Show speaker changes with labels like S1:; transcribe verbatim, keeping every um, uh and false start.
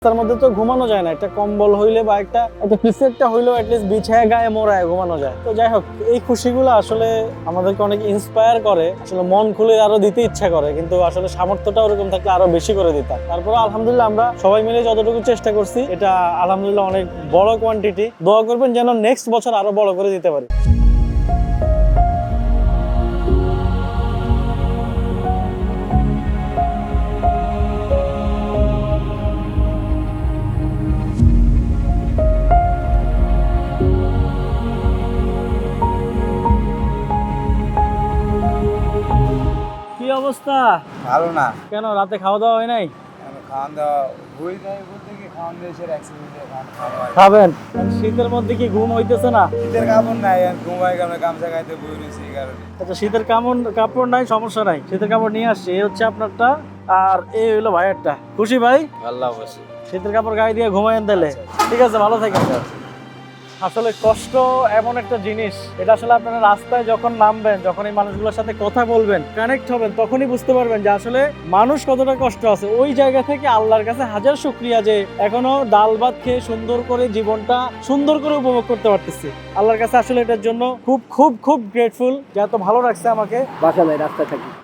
S1: তার মধ্যে তো ঘুমানো যায় না, একটা কম্বল হইলে বা একটা একটা কিছু একটা হইলেও অ্যাটলিস্ট বিছায় গায়ে মোড়ায় ঘুমানো যায়। তো যাই হোক, এই খুশিগুলো আসলে আমাদেরকে অনেক ইন্সপায়ার করে, আসলে মন খুলে আরো দিতে ইচ্ছা করে, কিন্তু আসলে সামর্থ্যটা ওরকম থাকলে আরো বেশি করে দিতাম। তারপরে আলহামদুলিল্লাহ আমরা সবাই মিলে যতটুকু চেষ্টা করছি, এটা আলহামদুলিল্লাহ অনেক বড় কোয়ান্টিটি। দোয়া করবেন যেন নেক্সট বছর আরো বড় করে দিতে পারি। কি অবস্থা?
S2: ভালো না।
S1: কেন রাতে খাওয়া দাওয়া হয় নাই?
S2: খাওয়ান দাওয়া হয়ে যায় বলতে কি খাওয়ান দিয়ে এসে অ্যাক্সিডেন্ট খাওয়া
S1: খাবেন? শীতের মধ্যে কি ঘুম হইতেছে না?
S2: শীতের কাপড় নাই, ঘুমাই আমরা গামছা গাইতে বই রয়েছি এই কারণে।
S1: আচ্ছা, শীতের কাপড় কাপড় নাই, সমস্যা নাই, শীতের কাপড় নিয়ে আসছি। এই হচ্ছে আপনারটা আর এই হইলো ভাইয়েরটা। খুশি ভাই?
S2: আল্লাহ অবশ্যই।
S1: শীতের কাপড় গায়ে দিয়ে ঘুমাইন দিলে। ঠিক আছে, ভালো থাকেন। আসলে কষ্ট এমন একটা জিনিস, এটা আসলে আপনারা রাস্তায় যখন নামবেন, যখন এই মানুষগুলোর সাথে কথা বলবেন, কানেক্ট হবেন, তখনই বুঝতে পারবেন যে আসলে মানুষ কতটা কষ্ট আছে। ওই জায়গা থেকে আল্লাহর কাছে হাজার শুকরিয়া যে এখনো ডাল ভাত খেয়ে সুন্দর করে জীবনটা সুন্দর করে উপভোগ করতে পারতেছি। আল্লাহর কাছে আসলে এটার জন্য খুব খুব খুব গ্রেটফুল যে এত ভালো রাখছে আমাকে।
S3: বাসা নাই, রাস্তায় থাকি।